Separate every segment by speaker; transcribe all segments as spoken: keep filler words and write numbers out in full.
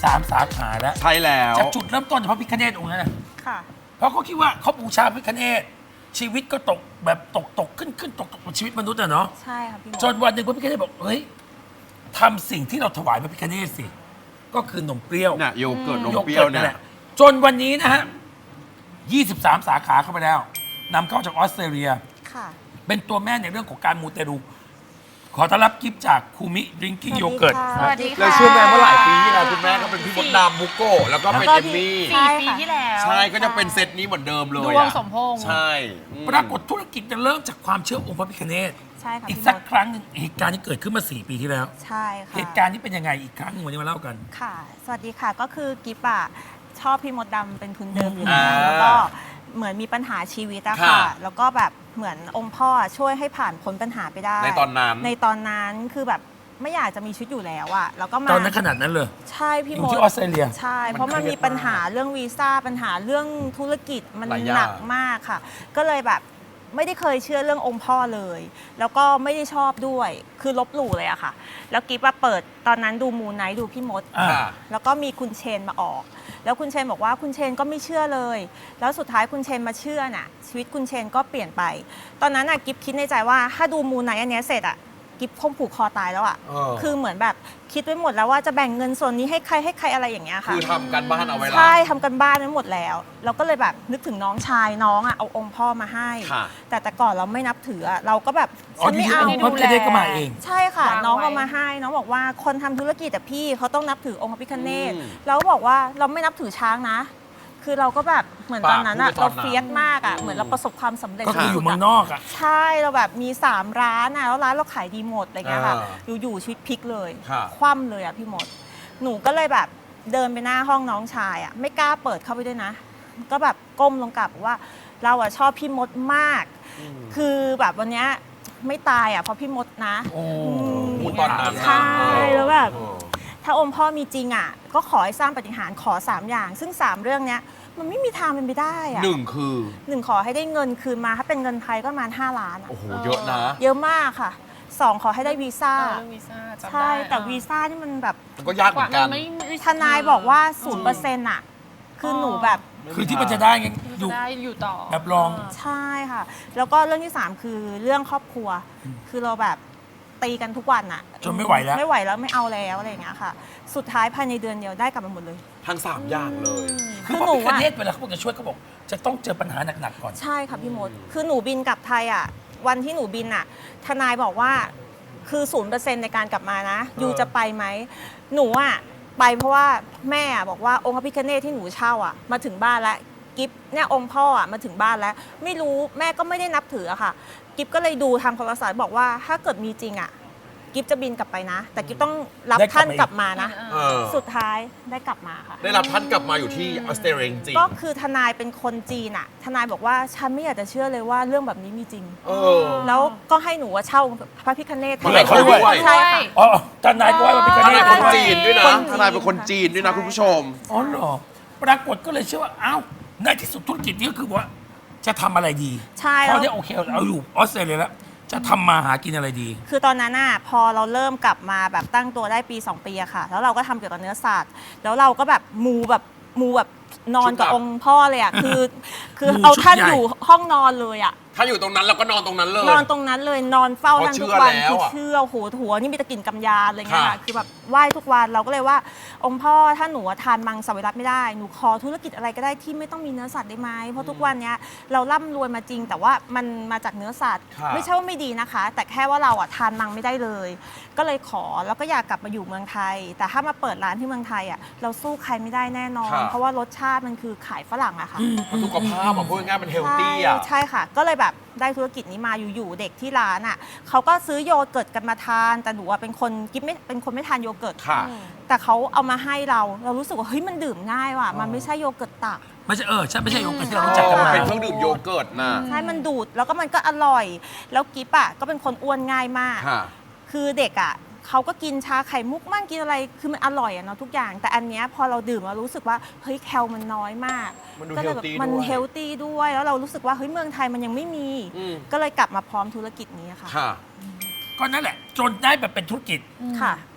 Speaker 1: สามสาขาแล้ว
Speaker 2: ใช่แล้ว
Speaker 1: จากจุดเริ่มต้นจากพระพิฆเนศองค์นั้นนะ
Speaker 3: ค่ะ
Speaker 1: เพราะเขาคิดว่าเขาบูชาพระพิฆเนศชีวิตก็ตกแบบตกตกขึ้นขึ้นตกตกเหมือนชีวิตมนุษย์อะเนาะ
Speaker 3: ใช่ค่ะพี่มด
Speaker 1: จนวันหนึ่งพระพิฆเนศบอกเฮ้ยทำสิ่งที่เราถวายพระพิฆเนศสิก็คือนมเปรี้ยว
Speaker 2: เนี่ยโยเกิร์ตนม
Speaker 1: โย
Speaker 2: เปรี้
Speaker 1: เกิ
Speaker 2: ยว
Speaker 1: ร์ตนั่
Speaker 2: เนี่
Speaker 1: น
Speaker 2: ย
Speaker 1: แหละจนวันนี้นะฮะยี่สิบสามสาขาเข้าไปแล้วนำเข้าจากออสเตรเลีย
Speaker 3: ค่ะ
Speaker 1: เป็นตัวแม่ในเรื่องของการมูเตลูขอต้อนรับกิฟต์จากคูมิดริงกิ้งโยเกิร์ต
Speaker 3: สวัสดีค่ะ
Speaker 2: แล้วเชื่อแม่เมื่อหลายปีที่แล้วคุณแม่ก็เป็นพี่มดดำมุกโก้แล้วก็เป็น
Speaker 3: แล้วก็
Speaker 2: เอมมี่
Speaker 3: ใช่
Speaker 4: สี่ปีที่แล้ว
Speaker 2: ใช่ก็จะเป็นเซตนี้เหมือนเดิมเลย
Speaker 4: ดวง
Speaker 2: อะ
Speaker 4: สมพงษ์
Speaker 2: ใช่อืม
Speaker 1: ปรากฏธุรกิจจะเริ่มจากความเชื่อองค์พระพิฆเนศ
Speaker 3: ใช่ค่ะ
Speaker 1: อีก
Speaker 3: พี่
Speaker 1: สัก
Speaker 3: มด
Speaker 1: ครั้งหนึ่งเหตุการณ์ที่เกิดขึ้นมาสี่ปีที่แล้ว
Speaker 3: ใช่ค่ะ
Speaker 1: เหตุการณ์นี้เป็นยังไงอีกครั้งหนึงวันนี้มาเล่ากัน
Speaker 3: ค่ะ สวัสดีค่ะ ก็คือกิฟอะชอบพี่มดดำเป็นทุนเดิมอยู่
Speaker 2: อ่า
Speaker 3: แล้วแล้วก็เหมือนมีปัญหาชีวิตอะค่ะ
Speaker 2: ค่ะ
Speaker 3: แล้วก็แบบเหมือนองค์พ่อช่วยให้ผ่านพ้นปัญหาไปได้
Speaker 2: ในตอนนั้น
Speaker 3: ในตอนนั้นคือแบบไม่อยากจะมีชีวิตอยู่แล้วอะแล้วก็มา
Speaker 1: ตอนนั้นขนาดนั้นเลย
Speaker 3: ใช่พี่
Speaker 1: อยู่
Speaker 3: มด
Speaker 1: ที่ออสเตรเลีย
Speaker 3: ใช่ เพราะมันมีปัญหาเรื่องวีซ่าปัญหาเรื่องธุรกิจมัน
Speaker 2: หลายอย่าง
Speaker 3: หนักมากค่ะ ก็เลยแบบไม่ได้เคยเชื่อเรื่ององค์พ่อเลย แล้วก็ไม่ได้ชอบด้วยคือลบหลู่เลยอะค่ะ แล้วกิ๊บว่าเปิดตอนนั้นดูมูไนท์ดูพี่มด
Speaker 1: อ่า
Speaker 2: ค่ะ
Speaker 3: แล้วก็มีคุณเชนมาออก แล้วคุณเชนบอกว่าคุณเชนก็ไม่เชื่อเลย แล้วสุดท้ายคุณเชนมาเชื่อน่ะชีวิตคุณเชนก็เปลี่ยนไป ตอนนั้นน่ะกิ๊บคิดในใจว่าถ้าดูมูไนท์อันเนี้ยเสร็จอะกิ๊บคงผูกคอตายแล้วอะ
Speaker 2: เออ
Speaker 3: คือเหมือนแบบคิดไว้หมดแล้วว่าจะแบ่งเงินส่วนนี้ให้ใครให้ใครอะไรอย่างเงี้ยค่ะ
Speaker 2: คือทำกันบ้านเอาไว้แล้ว
Speaker 3: ใช่ทำกันบ้านไว้หมดแล้ว เราก็เลยแบบนึกถึงน้องชายน้องอะเอาองค์พ่อมาให้
Speaker 2: ค่ะ
Speaker 3: แต่แต่ก่อนเราไม่นับถืออะเราก็แบบ
Speaker 1: อ๋อ
Speaker 3: ฉัน
Speaker 1: ที่
Speaker 3: ไม่เอา
Speaker 1: องค์พระพิฆเนศก็มาเอง
Speaker 3: ใช่ค่ะ
Speaker 4: วางไว้
Speaker 3: น้องเอามาให้ น้องบอกว่าคนทำธุรกิจแต่พี่เขาต้องนับถือองค์พระพิฆเนศ
Speaker 2: อืม
Speaker 3: เราก็บอกว่าเราไม่นับถือช้างนะ คือเราก็แบบเหมือนตอนนั้นอะ
Speaker 2: ปากพูดไปตอนนั้น
Speaker 3: เราเฟียสมากอะเหมือนเราประสบความสำเร็จ
Speaker 1: ก็คืออยู่
Speaker 3: สุดๆ
Speaker 1: เมืองนอกอ่ะ
Speaker 3: ใช่เราแบบมีสามร้านอะแล้วร้านเราขายดีหมดอะไรเงี้ยค่ะ
Speaker 2: อ่า
Speaker 3: อยู่ๆชีวิตพลิกเลย
Speaker 2: ค่ะ
Speaker 3: คว่ำเลยอะพี่มด หนูก็เลยแบบเดินไปหน้าห้องน้องชายอะไม่กล้าเปิดเข้าไปด้วยนะ ก็แบบก้มลงกราบบอกว่าเราอะชอบพี่มดมาก คือแบบวันเนี้ยไม่ตายอะเพราะพี่มดนะ
Speaker 1: โอ้
Speaker 3: ม
Speaker 2: พูดตอนนั้นนะ
Speaker 3: ใช่แล้วแบบ
Speaker 2: เออ
Speaker 3: ถ้าองค์พ่อมีจริงอ่ะก็ขอให้สร้างปาฏิหารย์ขอสามอย่าง ซึ่งสามเรื่องเนี้ยมันไม่มีทางเป็นไปได้อ่ะ
Speaker 2: หนึ่งคือ
Speaker 3: หนึ่งขอให้ได้เงินคืนมาถ้าเป็นเงินไทยก็ประมาณห้าล้านอะ
Speaker 2: โอ้โหเยอะนะ
Speaker 3: เยอะมากค่ะสองขอให้ได้วีซ่า
Speaker 4: เออเรื่องวีซ่าจำได้
Speaker 3: ใช่แต่
Speaker 4: เออ
Speaker 3: วีซ่านี่มันแบบ
Speaker 2: มันก็ยากเหมือนกัน
Speaker 4: ไม่ไม่
Speaker 3: ทนายบอกว่าศูนย์เปอร์เซ็นต์อ่ะคือหนูแบบ
Speaker 1: คือที่มันจะได้ไงอ
Speaker 4: จะ
Speaker 1: ยู่
Speaker 4: ได้อยู่ต่อ
Speaker 1: แบบลอง
Speaker 3: ใช่ค่ะ แล้วก็เรื่องที่สามคือเรื่องครอบครัว คือเราแบบตีกันทุกวันอ่ะ
Speaker 1: จนไม่ไหวแล้ว
Speaker 3: ไม่ไหวแล้วไม่เอาแล้วอะไรอย่างเงี้ยค่ะ สุดท้ายภายในเดือนเดียวได้กลับมาหมดเลย
Speaker 2: ทั้งสามอย่างเลย
Speaker 1: คือพระพิฆเนศเวลาเขาบอกจะช่วยเขาบอก จะต้องเจอปัญหาหนักๆก่อน
Speaker 3: ใช่ค่ะพี่มด คือหนูบินกลับไทยอ่ะ วันที่หนูบินอ่ะ ทนายบอกว่าคือศูนย์เปอร์เซ็นต์ในการกลับมานะ ยูจะไปไหม หนูอ่ะไปเพราะว่าแม่อะบอกว่าองค์พระพิฆเนศที่หนูเช่าอ่ะมาถึงบ้านแล้ว กิฟเนี่ยองค์พ่ออ่ะมาถึงบ้านแล้ว ไม่รู้แม่ก็ไม่ได้นับถืออะค่ะ กิฟก็เลยดูทางโทรศัพท์บอกว่าถ้าเกิดมีจริงอ่ะ กิฟจะบินกลับไปนะ แต่กิฟต้องรับ
Speaker 1: ได้กลับ
Speaker 3: ท่าน
Speaker 1: มาอีก
Speaker 3: กลับมานะ
Speaker 2: เออ
Speaker 3: สุดท้ายได้กลับมาค่ะ
Speaker 2: ได้รับท่านกลับมาอยู่ที่ออสเตรเลียจริง
Speaker 3: ก็คือทนายเป็นคนจีนอะทนายบอกว่าฉันไม่อยากจะเชื่อเลยว่าเรื่องแบบนี้มีจริง
Speaker 2: เออ
Speaker 3: แล้วก็ให้หนูว่าเช่าพระพิฆเนศ
Speaker 2: มาให้เขาด้วย
Speaker 3: ใช่ค่ะ
Speaker 1: อ๋อทนายก็ว่าพระพิฆ
Speaker 2: ท
Speaker 1: เน
Speaker 2: นาย
Speaker 1: ศ
Speaker 2: คนจีนด้วยนะ
Speaker 3: คนจีน
Speaker 2: ทนายเป็นคนจีนด้วยนะคุณผู้ชม
Speaker 1: อ๋อเหรอปรากฏก็เลยเชื่อว่าอ้าวในที่สุดธุรกิจนี้ก็คือว่า จะทำอะไรดี
Speaker 3: ใช่
Speaker 1: พ
Speaker 3: แล้
Speaker 1: อ
Speaker 3: ว
Speaker 1: ได้โอเคเอาอยู่ออสเตรเลียแล้วจะทำมาหากินอะไรดี
Speaker 3: คือตอนนั้นน่ะพอเราเริ่มกลับมาแบบตั้งตัวได้ปีสองปีอะค่ะ แล้วเราก็ทำเกี่ยวกับเนื้อสัตว์แล้วเราก็แบบมูแบบมูแบบนอนกับ
Speaker 2: ชุดหนัก
Speaker 3: องค์พ่อเลยอะคือ คือ
Speaker 1: มู
Speaker 3: เอา
Speaker 1: ชุด
Speaker 3: ท่าน
Speaker 1: ใหญ่
Speaker 3: อยู่ห้องนอนเลยอะ
Speaker 2: ถ้าอยู่ตรงนั้นเราก็นอนตรงนั้นเลย
Speaker 3: นอนตรงนั้นเลยนอนเฝ้า
Speaker 2: เพราะ
Speaker 3: ท่านทุก
Speaker 2: เชื่อ
Speaker 3: วัน
Speaker 2: แล้ว
Speaker 3: คือ
Speaker 2: อะ
Speaker 3: เชื่อโหหัวนี่มีตะกลิ่นกำยานอะไรเงี้ย
Speaker 2: ค่ะ
Speaker 3: ค่ะคือแบบไหว้ทุกวันเราก็เลยว่า องค์พ่อถ้าหนูทานมังสวิรัตไม่ได้หนูขอธุรกิจอะไรก็ได้ที่ไม่ต้องมีเนื้อสัตว์ได้ไหมเพราะทุกวันเนี้ยเราร่ำรวยมาจริง แต่ว่ามันมาจากเนื้อสัตว์
Speaker 2: ค่ะ
Speaker 3: ไม่ใช่ว่าไม่ดีนะคะ แต่แค่ว่าเราอ่ะทานมังไม่ได้เลย ก็เลยขอแล้วก็อยากกลับมาอยู่เมืองไทย แต่ถ้ามาเปิดร้านที่เมืองไทยอ่ะเราสู้ใครไม่ได้แน่นอน
Speaker 2: ค่ะ
Speaker 3: เพราะว่ารสชาติมันคือขายฝรั่งอะค่ะ
Speaker 2: มันสุขภาพอ่ะพูดง่ายๆมันเฮลตี้อ่ะ
Speaker 3: ใช่ใช่ค่ะ ก็เลยแบบได้ธุรกิจนี้มาอยู่ๆเด็กที่ร้านอ่ะเขาก็ซื้อโยเกิร์ตกันมาทาน แต่หนูอะเป็นคนกิ๊บไม่เป็นคนไม่ทานโยเกิร์ต
Speaker 2: ค่ะ
Speaker 3: แต่เขาเอามาให้เรา เรารู้สึกว่าเฮ้ยมันดื่มง่ายว่ะมันไม่ใช่โยเกิร์ตตัก
Speaker 1: ไม่ใช่เออใช่ไม่ใช่โยเกิร์ตที่เรารู้จักกันมา
Speaker 2: เป็นเครื่องดื่มโยเกิร์ตนะ
Speaker 3: ใช่มันดูดแล้วก็มันก็อร่อย แล้วกิ๊บอ่ะก็เป็นคนอ้วนง่ายมาก
Speaker 2: ค่ะ
Speaker 3: คือเด็กอ่ะเขาก็กินชาไข่มุกมั่งกินอะไรคือมันอร่อยอะเนาะทุกอย่าง แต่อันเนี้ยพอเราดื่มเรารู้สึกว่าเฮ้ยแคลมันน้อยมาก
Speaker 2: มันดู
Speaker 3: ก็เลยแบบ
Speaker 2: healthy
Speaker 3: มัน
Speaker 2: ด้วย
Speaker 3: เฮลตี้ด้วยแล้วเรารู้สึกว่าเฮ้ยเมืองไทยมันยังไม่มี
Speaker 2: อืม
Speaker 3: ก็เลยกลับมาพร้อมธุรกิจนี้ค่ะ
Speaker 2: ค่ะ
Speaker 1: ก็นั่นแหละ จนได้แบบเป็นธุรกิจ
Speaker 3: ค่ะ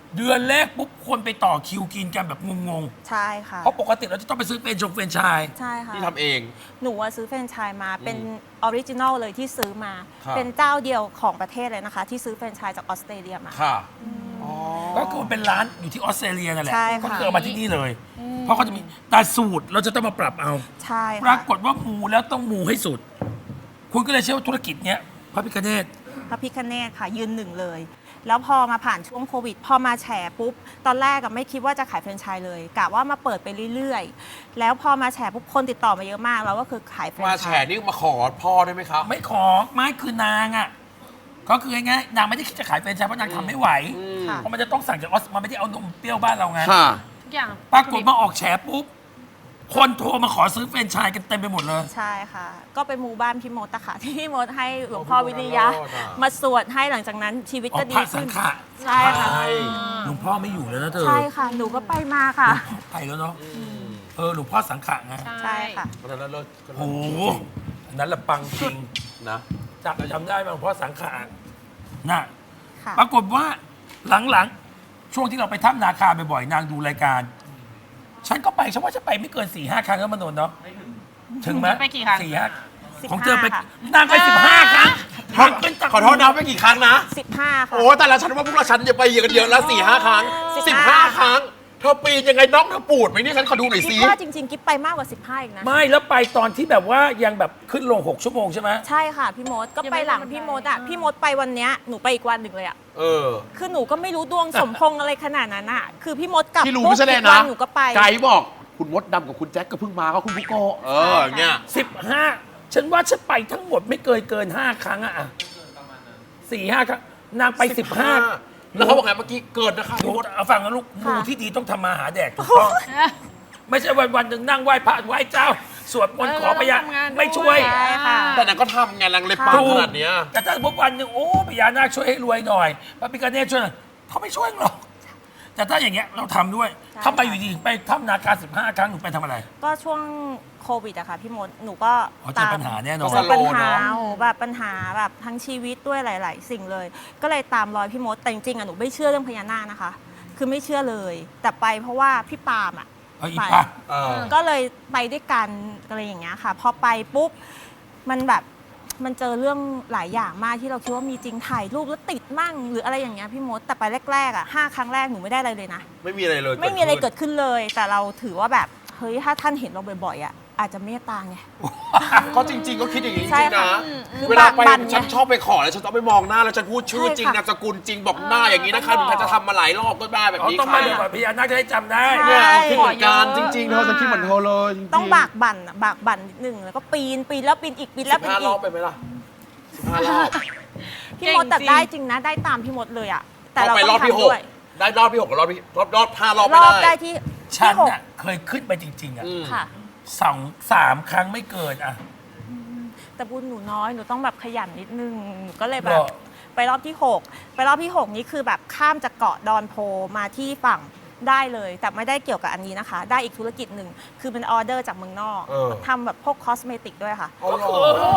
Speaker 1: เดือนแรกปุ๊บคนไปต่อคิวกินกันแบบงง
Speaker 3: ใช่ค่ะ
Speaker 1: ๆเพราะปกติเราจะต้องไปซื้อเป็นชงเฟรนไชส์
Speaker 3: ใช่ค่ะ
Speaker 2: ที่ทำเอง
Speaker 3: หนูอะซื้อแฟรนไชส์มาเป็นออริจินอลเลยที่ซื้อมา
Speaker 2: ครับ
Speaker 3: เป็นเจ้าเดียวของประเทศเลยนะคะ ที่ซื้อแฟรนไชส์จากออสเตรเลียมา
Speaker 2: ค่ะ
Speaker 1: ก็คือเป็นร้านอยู่ที่ออสเตรเลียนั่นแหละ
Speaker 3: ใช่ค่ะ
Speaker 1: ก็คือเอามาที่นี่เลย เพราะเขาจะมีแต่สูตรเราจะต้องมาปรับเอา
Speaker 3: ใช่
Speaker 1: ปรา
Speaker 3: ค่ะ
Speaker 1: กฏว่ามูแล้วต้องมูให้สุด คุณก็เลยเชื่อว่าธุรกิจเนี้ยพระพิฆเนศ
Speaker 3: พระพิคเนตค่ะยืนหนึ่งเลย แล้วพอมาผ่านช่วงโควิด พอมาแฉปุ๊บ ตอนแรกอะไม่คิดว่าจะขายแฟรนไชส์เลยกะว่ามาเปิดไปเรื่อยๆ แล้วพอมาแฉปุ๊บคนติดต่อมาเยอะมากแล้วก็คือขายแฟรน
Speaker 2: มา
Speaker 3: ไช
Speaker 2: แฉ
Speaker 3: ส์
Speaker 2: นี่มาขอพ่อได้ไหมครับ
Speaker 1: ไม่ขอไม่คือนางอ่ะก็คือง่ายๆนางไม่ได้คิดจะขายแฟรนไชส์เพราะนางทำไม่ไหว
Speaker 3: ค่ะ
Speaker 1: เพราะมันจะต้องสั่งจากออสมันไม่ได้เอานมเปรี้ยวบ้านเราไง
Speaker 2: ค่ะ
Speaker 4: ทุกอย่าง
Speaker 1: ปรากฏมาออกแฉปุ๊บคนโทรมาขอซื้อแฟรนไชส์กันเต็มไปหมดเลย
Speaker 3: ใช่ค่ะ ก็ไปมูบ้านพี่มดอะค่ะ ที่พี่มดให้หลวงพ่อวิริยะ
Speaker 2: โอ้พี่มดรอดอะ
Speaker 3: มาสวดให้หลังจากนั้นชีวิต
Speaker 1: ออ
Speaker 3: ก็
Speaker 1: ก
Speaker 3: ดี
Speaker 1: พระสั
Speaker 3: ขึ้
Speaker 1: ง
Speaker 3: น
Speaker 1: ฆะ
Speaker 3: ใช่ค่ะ
Speaker 2: ใช่
Speaker 1: หลวงพ่อไม่อยู่แล้วนะเธอ
Speaker 3: ใช่ค่ะ หนูก็ไปมาค่ะ
Speaker 1: ไปแล้วเนาะเออหลวงพ่อสังฆะไง
Speaker 3: ใช่ค่ะ
Speaker 2: วันนั้นเลิศ
Speaker 1: โอ้โหอันนั้นละปังจริง
Speaker 2: นะ
Speaker 1: จำจำได้ไหมหลวงพ่อสังฆะน่ะ
Speaker 3: ค่ะ
Speaker 1: ปรากฏว่าหลังๆ ช่วงที่เราไปถ้ำนาคาบ่อยๆนางดูรายการ ฉันก็ไปฉันว่าจะไปไม่เกินสี่ห้าครั้งแล้วมโนนเนาะถึงไหม
Speaker 4: ไปกี่ครั้ง
Speaker 1: สี่ห้า
Speaker 3: สิบ
Speaker 1: ของเธอไป
Speaker 3: ห้าค่ะ
Speaker 1: นางไปสิบห้าครั้งนางเป็นตะ
Speaker 2: ขอโทษนะไปกี่ครั้งนะ
Speaker 3: สิบห้าค่ะ
Speaker 2: โอ้แต่ละฉันว่าพวกเราฉันจะไปเยอะกันเยอะแล้วสี่ห้าครั้ง
Speaker 3: สิบ
Speaker 2: สิบ
Speaker 3: ห้า
Speaker 2: ห้าครั้ง เธอปีนยังไงน้องเธอปูดไหมเนี่ยฉันขอดูหน่อย
Speaker 3: กิ๊
Speaker 2: สิ
Speaker 3: บว่าจริงๆ กิ๊บไปมากกว่าสิบห้าอีกนะ
Speaker 1: ไม่แล้วไปตอนที่แบบว่ายังแบบขึ้นลงหกชั่วโมงใช่ไหม
Speaker 3: ใช่ค่ะพี่มดก็ไปหลังพี่มดอะพี่มดไปวันเนี้ยหนูไปอีกวันหนึ่งเลยอะ
Speaker 2: เออ
Speaker 3: คือหนูก็ไม่รู้ดวงสมพงษ์อะไรขนาดนั้นอะคือพี่มดกลับ
Speaker 2: ที่รู้
Speaker 3: ปุ๊บ
Speaker 2: ไม่ใช่แน่
Speaker 3: อีก
Speaker 2: นะ
Speaker 3: วันหนูก็ไป
Speaker 2: ไกด์บอกคุณมดดำกับคุณแจ็คก็เพิ่งมาเขาคุณบุโกะเออเนี่ย
Speaker 1: สิบห้าฉันว่าฉันไปทั้งหมดไม่เกินเกินห้าครั้งอะสี่ห้าครั้งนางไปสิบห้า
Speaker 2: แล้วเขาบอกไงเมื่อกี้เกิดนะคะ
Speaker 1: หนู
Speaker 2: พี่มด
Speaker 1: เอาฟังนะลูก
Speaker 3: ค่ะ
Speaker 1: มูที่ดีต้องทำมาหาแดกถูกต้อง ไม่ใช่วันวันๆหนึ่งนั่งไหว้พระไหว้เจ้า สวดมนต์ขอพยา
Speaker 4: เออเราต้องทำงานด้วย
Speaker 1: ไม่ช่วย
Speaker 3: ใช่ค่ะ
Speaker 2: แต่นางก็ทำไงนางเลยปังขนาดเนี้ย
Speaker 1: แต่ถ้าพบวันหนึ่งโอ้พญานาคช่วยให้รวยหน่อยพระพิฆเนศช่วยหน่อยเขาไม่ช่วยหรอก แต่ถ้าอย่างเงี้ยเราทำด้วย
Speaker 3: ใช่
Speaker 1: ทำไปอยู่ดีไปทำนาคาสิบห้าครั้งหนูไปทำอะไร
Speaker 3: ก็ช่วงโควิดอะค่ะพี่มดหนูก็
Speaker 1: อ๋อเจอปัญหาแน่นอน
Speaker 3: เจอปัญหา
Speaker 2: สโลว์เนอะ
Speaker 3: โอ้แบบปัญหาแบบทั้งชีวิตด้วยหลาย ๆ สิ่งเลย ก็เลยตามรอยพี่มดแต่จริงๆอะหนูไม่เชื่อเรื่องพญานาคนะคะ คือไม่เชื่อเลย แต่ไปเพราะว่าพี่ปาล์มอะ
Speaker 1: เอาอี
Speaker 3: ไป
Speaker 1: ปะ
Speaker 2: เออ
Speaker 3: ก็เลยไปด้วยกันอะไรอย่างเงี้ยค่ะ พอไปปุ๊บมันแบบมันเจอเรื่องหลายอย่างมากที่เราคิดว่ามีจริงถ่ายรูปแล้วติดมั่งหรืออะไรอย่างเงี้ยพี่มดแต่ไปแรกๆอ่ะห้าครั้งแรกหนูไม่ได้อะไรเลยนะ
Speaker 2: ไม่มีอะไรเลย
Speaker 3: ไม่มีอะไรเกิดขึ้นเลย แต่เราถือว่าแบบเฮ้ยถ้าท่านเห็นเราบ่อยๆอ่ะอาจจะเมตตาไง
Speaker 2: ก็จริง ๆ ก็คิดอย่างนี้จ
Speaker 3: ใช่
Speaker 2: ริงๆ
Speaker 3: ค่ะ
Speaker 2: นะ
Speaker 3: คือ
Speaker 2: เวลาไป
Speaker 3: บั่นไง
Speaker 2: ฉันชอบไปขอแล้วฉันต้องไปมองหน้าแล้วฉันพูดชื่อ
Speaker 3: ใช่
Speaker 2: จริง
Speaker 3: ค่ะ
Speaker 2: นามสกุลจริงบอกหน้าอย่างนี้นะคะหนูจะทำมาหลายรอบก็ได้แบบ
Speaker 1: อ๋อ
Speaker 2: นี้
Speaker 1: ต้อง
Speaker 2: ค่ะ
Speaker 1: มาเลยก่อนพญานาคจะได้จำได้
Speaker 3: ใช่
Speaker 2: เนี่ยคิดเหมือนกัน
Speaker 4: ขอเยอะ
Speaker 2: จริงๆเธอฉันคิดเหมือนเธอเลยจริงๆ
Speaker 3: ต้องบากบั่นอะบากบั่นนิดนึงแล้วก็ปีนปีนแล้วปีนอีกปีนแล้ว
Speaker 2: สิบ
Speaker 3: ปีน
Speaker 2: ห้าร
Speaker 3: อี
Speaker 2: อบ
Speaker 3: ก
Speaker 2: ไปไหมล่ะสิบห้ารอบ
Speaker 3: พี่มดแต่
Speaker 4: เก่งจริง
Speaker 3: ได้จริงนะได้ตามพี่มดเลยอ่ะแต่
Speaker 2: ต้อง
Speaker 3: เรา
Speaker 2: ไป
Speaker 3: ต้
Speaker 2: ร
Speaker 3: อ
Speaker 2: อบ
Speaker 3: ง
Speaker 2: ที่ห
Speaker 3: ทำ
Speaker 2: ก
Speaker 3: ด้วย
Speaker 2: ได้รอบที่หกกับรอบที่รอบรอบห้ารอบ
Speaker 3: ร
Speaker 2: ไม่
Speaker 3: อบได้
Speaker 2: ได้
Speaker 3: ที่
Speaker 1: ฉัน
Speaker 3: ที่หก
Speaker 1: น่ะเคยขึ้นไปจริง ๆอ่ะ
Speaker 2: อืม
Speaker 3: ค่ะ
Speaker 1: สองสามครั้งไม่เกินอ่ะ
Speaker 3: แต่บุญหนูน้อยหนูต้องแบบขยันนิดนึงหนูก็เลยแบ
Speaker 1: หร
Speaker 3: บ
Speaker 1: อ
Speaker 3: ไปรอบที่หกไปรอบที่หกนี้คือแบบข้ามจากเกาะดอนโพมาที่ฝั่งได้เลย แต่ไม่ได้เกี่ยวกับอันนี้นะคะ ได้อีกธุรกิจหนึ่งคือเป็นออเดอร์จากเมืองนอก
Speaker 2: เออ
Speaker 3: ทำแบบพวกคอสเมติกด้วยค่ะ
Speaker 2: เอาเหรอ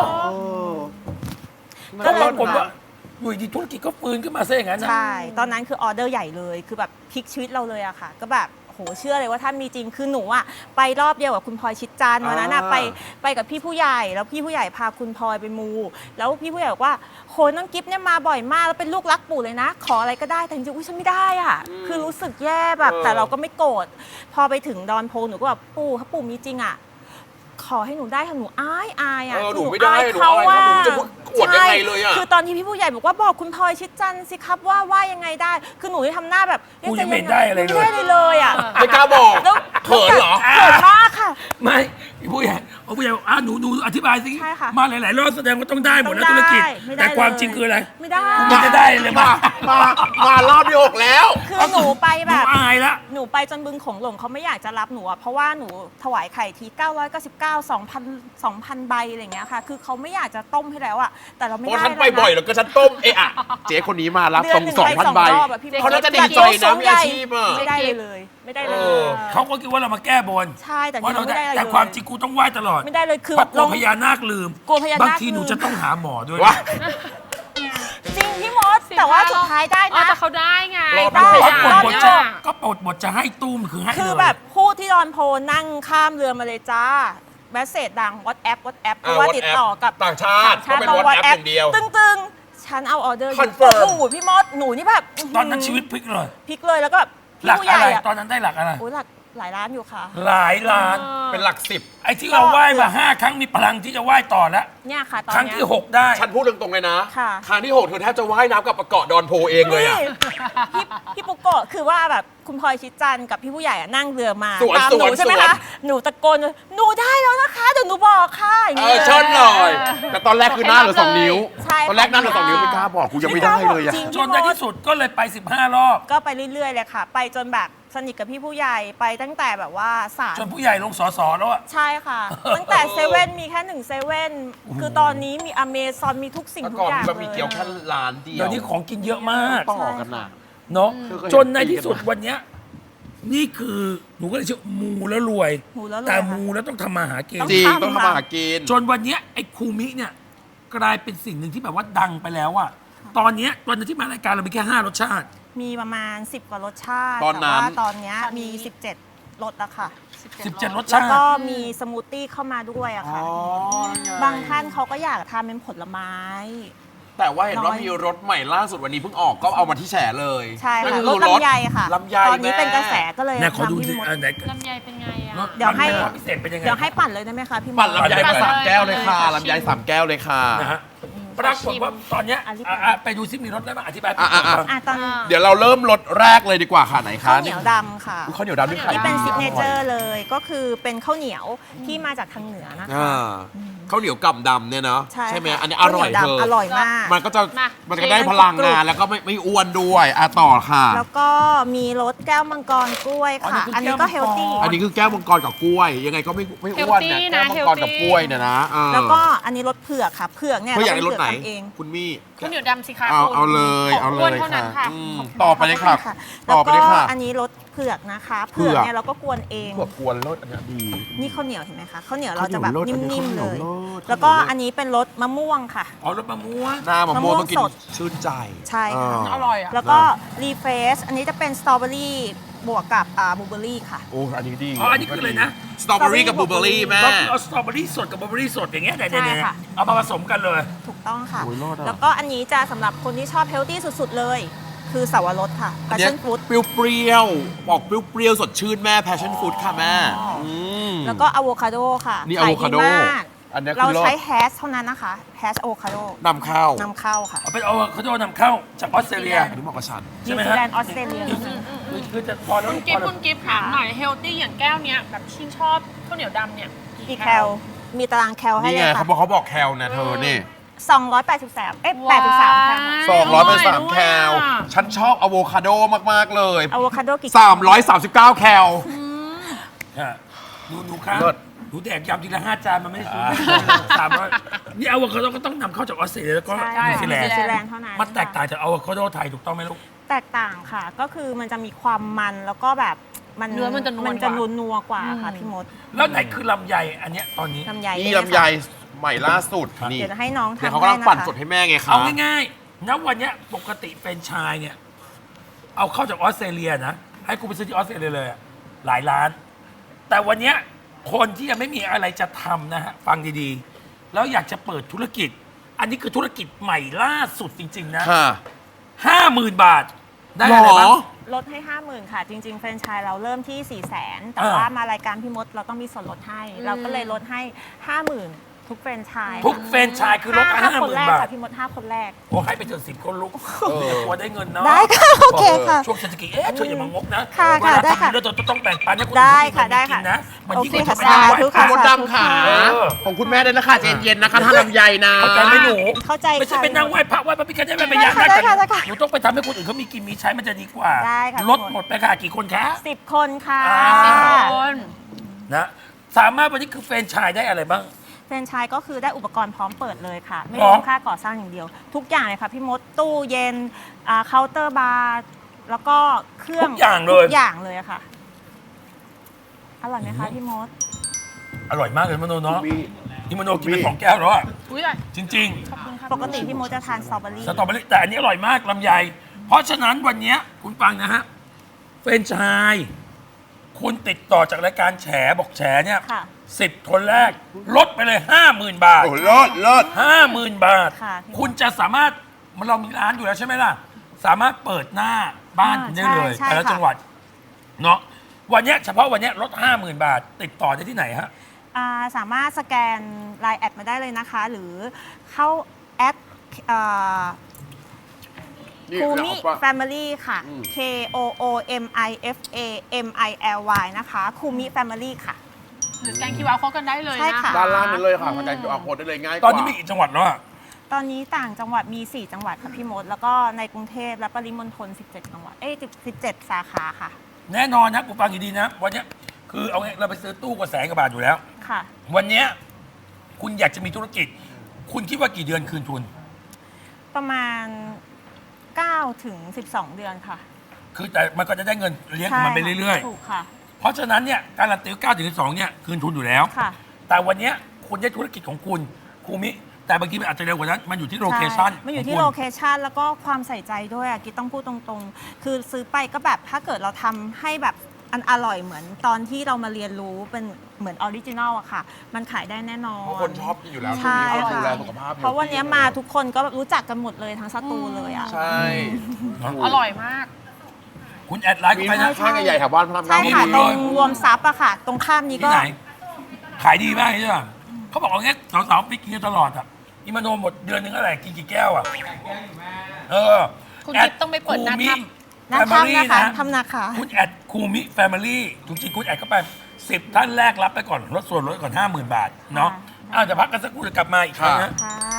Speaker 3: ก็
Speaker 1: ก็
Speaker 3: เล
Speaker 1: เลย ยผมว่าอยู่ดีธุรกิจก็ฟื้นขึ้นมาซะอย่างนั้นนะ
Speaker 3: ใช่ ตอนนั้นคือออเดอร์ใหญ่เลย คือแบบพลิกชีวิตเราเลยอะค่ะ ก็แบบโหเชื่อเลยว่าถ้ามีจริง คือหนูอะไปรอบเดียวกับคุณพลอยชิดจันทร์วันนั้นอะ
Speaker 2: อ่า
Speaker 3: ไปไปกับพี่ผู้ใหญ่ แล้วพี่ผู้ใหญ่พาคุณพลอยไปมู แล้วพี่ผู้ใหญ่บอกว่าโหน้องกิฟเนี่ยมาบ่อยมาก แล้วเป็นลูกรักปู่เลยนะ ขออะไรก็ได้ แต่จริงๆอุ๊ยฉันไม่ได้อะคือรู้สึกแย่แบบ แต่เราก็ไม่โกรธ พอไปถึงดอนโพหนูก็แบบปู่ถ้าปู่มีจริงอะขอให้หนูได้ค่ะหนูอายอายอะ
Speaker 2: เออหนู
Speaker 3: คือ
Speaker 2: ไม่ได้
Speaker 3: อาย
Speaker 2: หนูอายเขาหนูจะพูดอวดยังไงเลยอะ
Speaker 3: ใช่คือตอนที่พี่ผู้ใหญ่บอกว่าบอกคุณพลอยชิดจันทร์สิครับว่าว่ายังไงได้ คือหนูที่ทำหน้าแบบ
Speaker 1: กูยังไม่ได้อะไรเลย
Speaker 3: ไม่ได้เลยเลยอ่ะ
Speaker 2: ไม่กล้าบอก
Speaker 3: แล้ว
Speaker 2: เขินเหรอ
Speaker 3: เขินมากค่ะ
Speaker 1: ไม่ผู้ใหญ่เอาผู้ใหญ่บอกอ่ะหนูหนูอธิบายสิ
Speaker 3: ใช่ค่ะ
Speaker 1: มาหลายๆรอบแสดงว่าต้องได้หมดแล้วธุรกิจ
Speaker 3: ไม่ได้
Speaker 1: แต่ความ
Speaker 3: เลย
Speaker 1: จริงคืออะไร
Speaker 3: ไม่ได้
Speaker 1: มันจะได้เลย
Speaker 2: มา
Speaker 1: มา
Speaker 2: มา มารอบที่หกแล้ว
Speaker 3: คือหนูไป
Speaker 1: ห
Speaker 3: แบ
Speaker 1: นู
Speaker 3: บ
Speaker 1: อายละ
Speaker 3: หนูไปจนบึงโขงหลงเขาไม่อยากจะรับหนูอะเพราะว่าหนูถวายไข่ทีเก้าร้อยเก้าสิบเก้า สองพัน สองพันใบอะไรอย่างเงี้ยค่ะ คือเขาไม่อยากจะต้มให้แล้วอะแต่เราไม่
Speaker 2: เพ
Speaker 3: ได้
Speaker 2: ราะฉันไป
Speaker 3: เลนะ
Speaker 2: บ่อยแล้วก็ฉันต้มเอะอะเจ๊คนนี้มารับ
Speaker 3: เดื
Speaker 2: ต
Speaker 3: อ
Speaker 2: ร
Speaker 3: น
Speaker 2: ง
Speaker 3: หนึ่ง
Speaker 2: สอง
Speaker 3: ไป
Speaker 2: พัน
Speaker 3: สอง
Speaker 2: ใบ
Speaker 3: รอบอะพี่
Speaker 2: เขาน่าจะดี
Speaker 3: จั
Speaker 2: ใจ
Speaker 3: โย
Speaker 2: นะ
Speaker 3: ง
Speaker 2: มีอาชีพอะ
Speaker 3: ไม่ได้เลยเลย ไม่ได้เลย
Speaker 2: เออ
Speaker 1: เขาก็คิดว่าเรามาแก้บน
Speaker 3: ใช่แต่
Speaker 1: ว่า
Speaker 3: นี่
Speaker 1: เรา
Speaker 3: ไม่
Speaker 1: ได้
Speaker 3: ได้อะไร
Speaker 1: แต่
Speaker 3: เลย
Speaker 1: ความจริงกูต้องไหว้ตลอด
Speaker 3: ไม่ได้เลยคือ
Speaker 1: เพราะกลั
Speaker 3: ล
Speaker 1: ว
Speaker 3: ง
Speaker 1: พญานาคลืม
Speaker 3: กลัวพญานาค
Speaker 1: บางทีหนู
Speaker 3: ลืม
Speaker 1: จะต้องหาหมอด้วย
Speaker 2: ว่า
Speaker 3: จริงพี่มดแต่ว่าสุดท้ายได้
Speaker 4: อ๋อ
Speaker 3: นะ
Speaker 4: แต่เขาได้ไง
Speaker 2: รอบ
Speaker 3: ได้
Speaker 1: ก็ปลดบทจะ
Speaker 4: อ่ะ
Speaker 1: ก็ปลดบทจะให้ตู้มคือให้
Speaker 3: คือ
Speaker 1: เลย
Speaker 3: แบบพูดที่ดอนโพนั่งข้ามเรือมาเลยจ้าแมสเซจดังวอตแอปวอตแอปเพราะว่าติดต่อกับ
Speaker 2: ต่างชาติก็เป็น WhatsApp อย่างเดียว
Speaker 3: ตึงๆ ฉันเอาออเดอร์อยู่
Speaker 2: Confirm
Speaker 3: โอ้โหพี่มดหนูนี่แบบ
Speaker 1: ตอนนั้นชีวิตพลิกเลย
Speaker 3: พลิกเลยแล้วก็แบบ
Speaker 1: หลัก
Speaker 3: พี่ผู้ให
Speaker 1: อะไร
Speaker 3: ญ่อะ
Speaker 1: ตอนนั้นได้หลักอะไร
Speaker 3: โอ้ยหลักหลายล้านอยู่ค่ะ
Speaker 1: หลายล้าน
Speaker 2: เป็นหลักสิบ
Speaker 1: ไอ้ที่เราไหว้มาห้าครั้งมีพลังที่จะไหว้ต่อแล้ว
Speaker 3: เนี่ยค่ะตอน
Speaker 1: ครั้ง
Speaker 3: เนี้ย
Speaker 1: ที่หกได้
Speaker 2: ฉันพูดตรงๆเลยนะ
Speaker 3: ค่ะ
Speaker 2: ครั้งที่หกเธอแทบจะว่ายน้ำกับประเกาะดอนโพเองเลยอะ
Speaker 3: นี่พี่พี่ปุ๊กโกะคือว่าแบบคุณพลอยชิดจันทร์กับพี่ผู้ใหญ่อะนั่งเรือมา
Speaker 2: สวน
Speaker 3: ตามหนู
Speaker 2: สวน
Speaker 3: ใช่ไหม
Speaker 2: สวน
Speaker 3: คะหนูตะโกนหนูได้แล้วนะคะเดี๋ยวหนูบอกค่ะอย่าง
Speaker 2: เอ
Speaker 3: นี้
Speaker 2: อเชิญหน่อย แต่ตอนแรกคือหน้าเหลือสองนิ้ว
Speaker 3: ใช่
Speaker 2: ตอนแรกหน้าเหลือสองนิ้วไม่กล้าบอกกูยังไม่ได้เลยอะ
Speaker 3: จริง
Speaker 1: จนในที่สุดก็เลยไปสิบห้ารอบ
Speaker 3: ก็ไปเรื่อยๆเลยค่ะ ไปจนแบบสนิทกับพี่ผู้ใหญ่ไปตั้งแต่แบบว่าสาม
Speaker 1: จนผู้ใหญ่ลงสอสอแล้วอะ
Speaker 3: ใช่ค่ะ ตั้งแต่เซเว่นมีแค่หนึ่งเซเว่นคือตอนนี้มีอเมซอนมีทุกสิ่ง
Speaker 2: แต่
Speaker 3: ทุ
Speaker 2: ก่
Speaker 3: ก
Speaker 2: อน
Speaker 3: อย่าง
Speaker 2: มีบะหมี่
Speaker 3: เลย
Speaker 2: เกี๊ยวแค่ร้านเดียว
Speaker 1: เดี๋ยวนี้ของกินเยอะมาก
Speaker 2: ต่อกันน่ะ
Speaker 1: เนาะ
Speaker 2: คือเคยเห็น
Speaker 1: จนในที่สุดวันเนี้ยนี่คือหนูก็เลยเชื่อมูแล้วรวย
Speaker 3: หมูแล้วเลย
Speaker 1: แต่
Speaker 3: ค่ะ
Speaker 1: มูแล้วต้องทำมาหากิน
Speaker 3: ต้อง
Speaker 2: จริง
Speaker 3: ทำ
Speaker 2: ต้องทำมาหากิน
Speaker 1: จนวันเนี้ยไอ้คูมิเนี่ยกลายเป็นสิ่งหนึ่งที่แบบว่าดังไปแล้วอะตอนเนี้ยตอนนั้นที่มารายการเรามีแค่ห้ารสชาติ
Speaker 3: มีประมาณ สิบ กว่ารสชาติ
Speaker 2: ตอนนั้น
Speaker 3: แต่ว่าตอนเนี้ยมี สิบเจ็ดรสแล้วค่ะ
Speaker 1: สิบเจ็ดรส
Speaker 3: แล้ว
Speaker 1: ชาติ
Speaker 3: ก็มีสมูทตี้เข้ามาด้วยอะ
Speaker 2: อ๋
Speaker 3: ค่ะ
Speaker 2: อนั่นไง
Speaker 3: บางท่านเขาก็อยากทานเป็นผลไม้
Speaker 2: แต่ว่าเห็นว่า
Speaker 3: น้อย
Speaker 2: มีรถใหม่ล่าสุดวันนี้เพิ่งออกก็เอามาที่แฉเลย
Speaker 3: ใช่
Speaker 2: นั่น
Speaker 3: ค่ะ
Speaker 2: คือ
Speaker 3: รสลำไยค่ะ
Speaker 2: ลำไย
Speaker 3: ตอนนี้
Speaker 2: แม่
Speaker 3: เป็นกระแสก็เลย
Speaker 1: เนี่ยขอดู
Speaker 3: ทำ
Speaker 1: สิ
Speaker 3: พี่มด
Speaker 1: อันไหน
Speaker 4: ลำไยเป็นไงอ่ะ
Speaker 3: เดี๋ยวให้
Speaker 1: ความพิเศษเป็นยังไง
Speaker 3: เดี๋ยวให้ปั่นเลยได้ไหมคะพี่มด
Speaker 2: ปั่นลำไยมาสามแก้วเลยค่ะ
Speaker 4: ปั่นเลย
Speaker 2: ลำไยสามแก้วเลยค่ะ
Speaker 1: นะฮะปรากฏว่าตอนเนี้ย
Speaker 3: อธิบาย
Speaker 1: อ่ะอ่ะไปดูซิมีรสได้ไหมอธิบาย
Speaker 2: อ่ะอ่ะอ่ะ
Speaker 3: อ่ะตอน
Speaker 2: เดี๋ยวเราเริ่มรสแรกเลยดีกว่าค่ะไหนคะ
Speaker 3: ข้าวเหนียวดำค่ะ
Speaker 2: อุ๊ยข้าวเหนียวดำนี่ขาย
Speaker 3: ที่เป็น
Speaker 2: ดี
Speaker 3: ซิกเนเจอ
Speaker 2: ร่ย
Speaker 3: ร์เลยก็คือเป็นข้าวเหนียวที่มาจากทางเหนือนะคะ
Speaker 2: อ่าข้าวเหนียวกล่ำดำเนี่ยเนาะ
Speaker 3: ใช่
Speaker 2: ไหม
Speaker 3: ค่ะ
Speaker 2: อันนี้อร่อย
Speaker 3: ข้าว
Speaker 2: เธ
Speaker 3: เหนีว
Speaker 2: อ
Speaker 3: ดำอร่อยมาก
Speaker 2: มันก็จะ
Speaker 4: มา
Speaker 2: มันก็ได้พลังงานแล้วก็ไม่ไม่อ้วนด้วยอ่ะต่อค่ะ
Speaker 3: แล้วก็มีรสแก้วมังกรกล้วยค่ะ อันนี้ก็เฮลตี้
Speaker 2: อันนี้คือแก้วมังกรกับกล้วย ยังไงก็ไม่ไม่อ้วนเนี่ย
Speaker 4: Healthy
Speaker 2: แก้
Speaker 4: นะ
Speaker 2: วมังกรกับ
Speaker 4: Healthy
Speaker 2: กล้วยเนี่ยนะเออ
Speaker 3: แล้วก็อันนี้รสเผือกค่ะเผือกเนี่ย
Speaker 2: เพื่ออยากได้รสไหน
Speaker 3: เผือกทำเอง
Speaker 2: คุณมี่
Speaker 4: ข้าวเหนียวดำสิคะ
Speaker 2: เอา
Speaker 4: คุณ
Speaker 2: เอาเลยเอาเล
Speaker 4: อ้วน
Speaker 2: ย
Speaker 4: เท่านั้น
Speaker 2: ค่ะ
Speaker 4: ค่ะ
Speaker 2: อืมต่อไปเลยค่ะ
Speaker 3: ค่ะ
Speaker 2: ต่
Speaker 3: แล้ว
Speaker 2: อไป
Speaker 3: ก็
Speaker 2: เลยค่ะ
Speaker 3: อันนี้รสเผือกนะคะ
Speaker 2: เผื
Speaker 3: เผื
Speaker 2: อก
Speaker 3: อกเนี่ยเราก็กวนเอง
Speaker 2: พวกกวนรสอันเนี้ยดี
Speaker 3: นี่ข้าวเหนียวเห็นไหมคะข้าวเหนียวเราจะแบบ
Speaker 2: ข้าวเหนียวรส
Speaker 3: นิ่มๆ
Speaker 2: อันนี้
Speaker 3: เลย
Speaker 2: ข้าวเหนียวรส
Speaker 3: แล้วก็อันนี้เป็นรสมะม่วงค่ะ
Speaker 1: อ๋อรสมะม่วง
Speaker 2: หน้ามะม่วงต้องกิน
Speaker 3: มะม่วงสด
Speaker 2: ชื่นใจ
Speaker 3: ใช่ค่ะ
Speaker 2: า
Speaker 4: อร่อยอ่ะ
Speaker 3: แล้วก็รีเฟรชอันนี้จะเป็นสตรอเบอรี่บวกกับอ่าบลูเบอรี่ค่ะ
Speaker 2: โอ้อันนี้ดี
Speaker 1: อ๋ออันนี้คืออะไรนะ
Speaker 2: สตรอเบอรี่กับบลูเบอรี่แม่
Speaker 1: ก็คือเอาสตรอเบอรี่สดกับบลูเบอรี่สดอย่างเงี้ยเนี่ย
Speaker 3: ใช่
Speaker 1: เนี่ย
Speaker 3: ค่ะ
Speaker 1: เอามาผสมกันเลย
Speaker 3: ถูกต้องค่ะ
Speaker 2: โอ้ยรอดอะ
Speaker 3: แล้วก็อันนี้จะสำหรับคนที่ชอบเฮลตี้สุดๆเลย คือสาวรสค่ะ
Speaker 2: อันเนี้ย
Speaker 3: passion fruit
Speaker 2: เปรี้ยวๆบอกเปรี้ยวๆสดชื่นแม่ passion fruit ค่ะแม่
Speaker 3: อ๋ออื
Speaker 2: ม
Speaker 3: แล้วก็อะโวคาโดค่ะ
Speaker 2: นี่
Speaker 3: ขาย
Speaker 2: avocado
Speaker 3: ดีมาก
Speaker 2: อันเนี้ยคือ
Speaker 3: เรา
Speaker 2: รส
Speaker 3: ใช้แฮชเท่านั้นนะคะแฮชอะโวคาโด
Speaker 2: นำเข้าน
Speaker 3: ำเข้าค่ะ
Speaker 1: เอาเป็นเอาเขาจะนำเข้าจากออสเตรเลีย
Speaker 2: อันนี้เหมาะกับฉัน
Speaker 1: ใช่
Speaker 3: นิว
Speaker 1: ไหม
Speaker 3: ซี
Speaker 1: ฮะ
Speaker 3: แลนด์ออสเตรเลีย
Speaker 1: คือคือจะพอแล้ว
Speaker 4: คุณ
Speaker 1: พ
Speaker 4: กิ
Speaker 1: อ
Speaker 4: ฟต์
Speaker 1: แล้ว
Speaker 4: คุณกิฟต์ถามหน่อยเฮลตี้อย่างแก้วเนี้ยแบบที่ชอบข้าวเหนียวดำเนี่ย
Speaker 3: กี่แคลมีตารางแคลให้
Speaker 2: นี่
Speaker 3: เล
Speaker 2: ไง
Speaker 3: ย
Speaker 2: เขา
Speaker 3: ค่ะ
Speaker 2: บอกเขาบอกแคลนะเธอนี่
Speaker 3: สองร้อยแปดสิบสามเอ๊ะแปดสิบสามแคล
Speaker 2: สองร้อยเป็นสาม
Speaker 4: ด้วย
Speaker 2: แคล
Speaker 4: อ่ะ
Speaker 2: ฉันชอบอะโวคาโดมาก ๆ เลย
Speaker 3: อะโวคาโดกี่
Speaker 2: สามร้อยสามสิบเก้าแคล
Speaker 1: ฮะหนูหนูครับ
Speaker 2: เลิศ
Speaker 1: หนูแดกยำทีละห้าจานมันไม่ได้ซื้อสามร้อยนี่อะโวคาโดก็ต้องนำเข้าจากออสเตรเลียแล้วก็
Speaker 3: ใช่
Speaker 1: นิวซีแลน
Speaker 3: นิ
Speaker 1: ด์
Speaker 3: วซีแลนด์เท่านั้น
Speaker 1: มันแตกต่างจากอะโวคาโดไทยถูกต้องไหมลูก
Speaker 3: แตกต่างค่ะ ก็คือมันจะมีความมันแล้วก็แบบมัน
Speaker 4: เนื้อมันจะนวล
Speaker 3: มันจะ
Speaker 4: กว่า
Speaker 3: นัวนัวๆกว่าค่ะพี่มด
Speaker 1: แล้วไหนคือลำไยอันเนี้ยตอนนี้
Speaker 3: ลำไย
Speaker 2: นี่
Speaker 3: เย
Speaker 2: ลำไยใหม่ล่าสุดนี่
Speaker 3: เดี๋ยวจะให้น้อง
Speaker 2: เดี๋ยว
Speaker 3: ทำ
Speaker 2: เขา
Speaker 3: ให้
Speaker 2: กำลัง
Speaker 3: นะ
Speaker 2: ปั่น
Speaker 3: คะ
Speaker 2: สดให้แม่ไงคะ
Speaker 1: เอาง่ายๆณวันเนี้ยปกติแฟรนไชส์เนี่ย เอาเข้าจากออสเตรเลียนะ ให้กูไปซื้อที่ออสเตรเลียเลยอะหลายล้าน แต่วันเนี้ยคนที่ยังไม่มีอะไรจะทำนะฮะ ฟังดีๆ แล้วอยากจะเปิดธุรกิจ อันนี้คือธุรกิจใหม่ล่าสุดจริง ๆ นะ
Speaker 2: ค่ะ
Speaker 1: ห้าหมื่นบาท ได้
Speaker 2: หร
Speaker 1: อะไร
Speaker 2: อ
Speaker 1: บ้าง
Speaker 3: ลดให้ ห้าหมื่น ค่ะ จริง ๆ แฟรนไชส์เราเริ่มที่ สี่แสน แต่
Speaker 1: อ่า
Speaker 3: ว่ามารายการพี่มดเราต้องมีส่วนลดให้ เราก็เลยลดให้ ห้าหมื่น ทุกแฟรนไชส์
Speaker 1: ทุกแฟรนไชส์คือลด
Speaker 3: ห้า
Speaker 1: ห้าห
Speaker 3: คน
Speaker 1: มื่น
Speaker 3: แรก
Speaker 1: บาท
Speaker 3: ค่ะพี่มดห้าคนแรก
Speaker 1: โอ้ให้ไปถึงสิบคนลุก
Speaker 2: เออ
Speaker 1: อย่ากลัวได้เงินเนาะ
Speaker 3: ได้ค่ะโอเคค่ะ
Speaker 1: ช่วงเศรษฐกิจเอ๊ะเธออย่ามางกนะ
Speaker 3: ค่ะ
Speaker 1: เวลา
Speaker 3: ค่ะได้
Speaker 1: ทำ
Speaker 3: ค่ะ
Speaker 1: แล้วเราต้องแบ่งปันให้คน
Speaker 3: ได้
Speaker 1: อื่น
Speaker 3: ค่ะได้
Speaker 1: กิ
Speaker 3: ค่ะ
Speaker 1: นนะมันยิ่ง
Speaker 3: โอเค
Speaker 1: กว่า
Speaker 3: ค่ะ
Speaker 1: จะไปนั่งไหว้
Speaker 3: สาธุ
Speaker 1: พระ
Speaker 2: มดดำค่ะ
Speaker 1: เออ
Speaker 2: ของคุณแม่ด้วยนะคะใจเย็นๆนะคะถ้าลำไยนะ
Speaker 1: เข้าใจไหมหนู
Speaker 3: เข้าใจ
Speaker 1: ไม่ใช่
Speaker 3: ค่ะ
Speaker 1: ไปนั่งไหว้พระไหว้พระพิฆเนศไม่ไปยาก
Speaker 3: ได้
Speaker 1: นะ
Speaker 3: ค่ะได้ค่ะ
Speaker 1: หนูต้องไปทำให้คนอื่นเขามีกินมีใช้มันจะดีกว่า
Speaker 3: ได้ค่ะ
Speaker 1: ลดหมดไปค่ะกี่คนคะ
Speaker 3: สิบคนค่ะ
Speaker 1: อ่า
Speaker 4: คน
Speaker 1: นะสามารถวันนี้คือแฟรนไชส์ได้อะไรบ้าง
Speaker 3: แฟรนไชส์ก็คือได้อุปกรณ์พร้อมเปิดเลยค่ะ ไม่
Speaker 1: หร
Speaker 3: ร
Speaker 1: อ
Speaker 3: วมค่าก่อสร้างอย่างเดียว ทุกอย่างเลยค่ะพี่มดตู้เย็นอ่าเคาน์เตอร์บาร์แล้วก็เครื่อง
Speaker 1: ทุกอย่างเลย
Speaker 3: ทุกอย่างเลยอะค่ะ อร่อยไหมคะพี่มด
Speaker 1: อร่อยมากเลยมโนเนาะ
Speaker 2: มี
Speaker 1: อิมาโนกินไปสองแก้วแล้วอ่ะ
Speaker 4: อุ้ยอะไร
Speaker 1: จริง
Speaker 4: ขอบคุณครับ
Speaker 3: ปกติพี่มดจะทานสตรอเบอรี่
Speaker 1: ๆ สตรอเบอรี่แต่อันนี้อร่อยมากลำไย เพราะฉะนั้นวันเนี้ยคุณฟังนะฮะเฟรนไชส์คุณติดต่อจากรายการแฉบอกแฉเนี่ย
Speaker 3: ค่ะ
Speaker 1: สิบคนแรก ลดไปเลยห้าหมื่นบาท
Speaker 2: โอ้เลิศเลิศ
Speaker 1: ห้าหมื่นบาท
Speaker 3: ค่ะ
Speaker 1: คุณจะสามารถมันเรามีร้านอยู่แล้วใช่ไหมล่ะ สามารถเปิดหน้าบ้านคุณได้เลย
Speaker 3: ใช่ใช่
Speaker 1: แต่ละ
Speaker 3: ค่ะ
Speaker 1: จังหวัดเนาะวันเนี้ยเฉพาะวันเนี้ยลดห้าหมื่นบาท ติดต่อได้ที่ไหนฮะ
Speaker 3: อ่าสามารถสแกน ไลน์ แอดมาได้เลยนะคะ หรือเข้าแอปอ่า
Speaker 2: นี่
Speaker 3: คู
Speaker 2: เรา
Speaker 3: มิ
Speaker 2: เอาปะ
Speaker 3: แฟมิลี่ค่ะ
Speaker 2: อืม
Speaker 3: K O O M I F A M I L Y นะคะคูมิแฟมิลี่ค่ะ
Speaker 4: หรือสแกน คิว อาร์ code กันได้เลย
Speaker 3: ใช่
Speaker 4: นะ
Speaker 3: ค่ะ
Speaker 2: ด้านล่างนั้นเลยค่ะสแกนคิวอาร์โค้ดได้เลยง่ายก
Speaker 1: ตอน
Speaker 2: ว่า
Speaker 1: นี้มีกี่จังหวัดแล้วอะ
Speaker 3: ตอนนี้ต่างจังหวัดมี สี่ จังหวัดค่ะพี่มด แล้วก็ในกรุงเทพและปริมณฑลสิบเจ็ด จังหวัด เอ้ยสิบเจ็ด สาขาค่ะ
Speaker 1: แน่นอนนะกูฟังดีๆนะ วันเนี้ยคือเอาไงเราไปซื้อตู้กว่าแสนกว่าบาทอยู่แล้ว
Speaker 3: ค่ะ
Speaker 1: วันเนี้ยคุณอยากจะมีธุรกิจ คุณคิดว่ากี่เดือนคืนทุน
Speaker 3: ประมาณ เก้าถึงสิบสอง เดือนค่ะ
Speaker 1: คือแต่มันก็จะได้เงินเลี้ยงของมันไปเรื่อย
Speaker 3: ถูกค่ะ
Speaker 1: ๆ เพราะฉะนั้นเนี่ยการันตีเก้าถึงสิบสองเนี่ยคืนทุนอยู่แล้ว
Speaker 3: ค่ะ
Speaker 1: แต่วันเนี้ยคุณได้ธุรกิจของคุณครูมิ แต่บางทีมันอาจจะเร็วกว่านั้น มันอยู่ที่โลเคชั่น
Speaker 3: ใช่มันอยู่ที่
Speaker 1: ขง
Speaker 3: โล
Speaker 1: คุณ
Speaker 3: เคชันแล้วก็ความใส่ใจด้วยอะกิ๊บต้องพูดตรงๆ คือซื้อไปก็แบบถ้าเกิดเราทำให้แบบอันอร่อยเหมือนตอนที่เรามาเรียนรู้เป็นเหมือนออริจินอลอะค่ะ มันขายได้แน่นอน
Speaker 2: เพราะคนชอบกินอยู่แล้ว
Speaker 3: ใช่
Speaker 2: ช่วงนี้เขาดูแล
Speaker 3: ค่ะ
Speaker 2: สุขภาพ
Speaker 3: เพราะวันนี้มาทุกคนก็รู้จักกันหมดเลยทั้งสตูเลยอะ
Speaker 2: ใช่
Speaker 4: อร่อยมาก
Speaker 1: คุณแอดไลน์
Speaker 2: มี
Speaker 1: เข้าไปนะ
Speaker 2: ห้างใหญ่ๆแถวบ้านพระราม
Speaker 3: ใช่
Speaker 2: เก้า
Speaker 3: ค่ะ
Speaker 1: มี
Speaker 3: ต
Speaker 1: เล
Speaker 3: รง
Speaker 1: ย
Speaker 3: รวมซับอะค่ะ ตรงข้ามนี้
Speaker 1: ที่
Speaker 3: ก็
Speaker 1: ไหน ขายดีมากใช่ไหมเขาบอกว่าเงี้ยสาวๆไปกินกันตลอดอ่ะอิมาโนหมดเดือนหนึงเท่าไหร่กินกี่แก้วอ่ะเออ
Speaker 4: คุณ
Speaker 1: แด
Speaker 4: กิ๊บต้องไปเปิดหน้า
Speaker 1: คูมิ
Speaker 4: ถ้
Speaker 3: หน้า
Speaker 1: แฟมิลี่
Speaker 3: ถ้ำนะคะทำนาคา
Speaker 1: คุณแอดคูมิแฟมิลี่จริงๆคุณแอดเข้าไปสิบท่านแรกรับไปก่อนลดส่วนลดก่อนห้าหมื่นบาทเนาะ
Speaker 3: ค่ะ
Speaker 1: อ้าวจะพักกันสักครู่เดี๋ยวกลับมาอีกครั้งนะ
Speaker 3: ค่ะ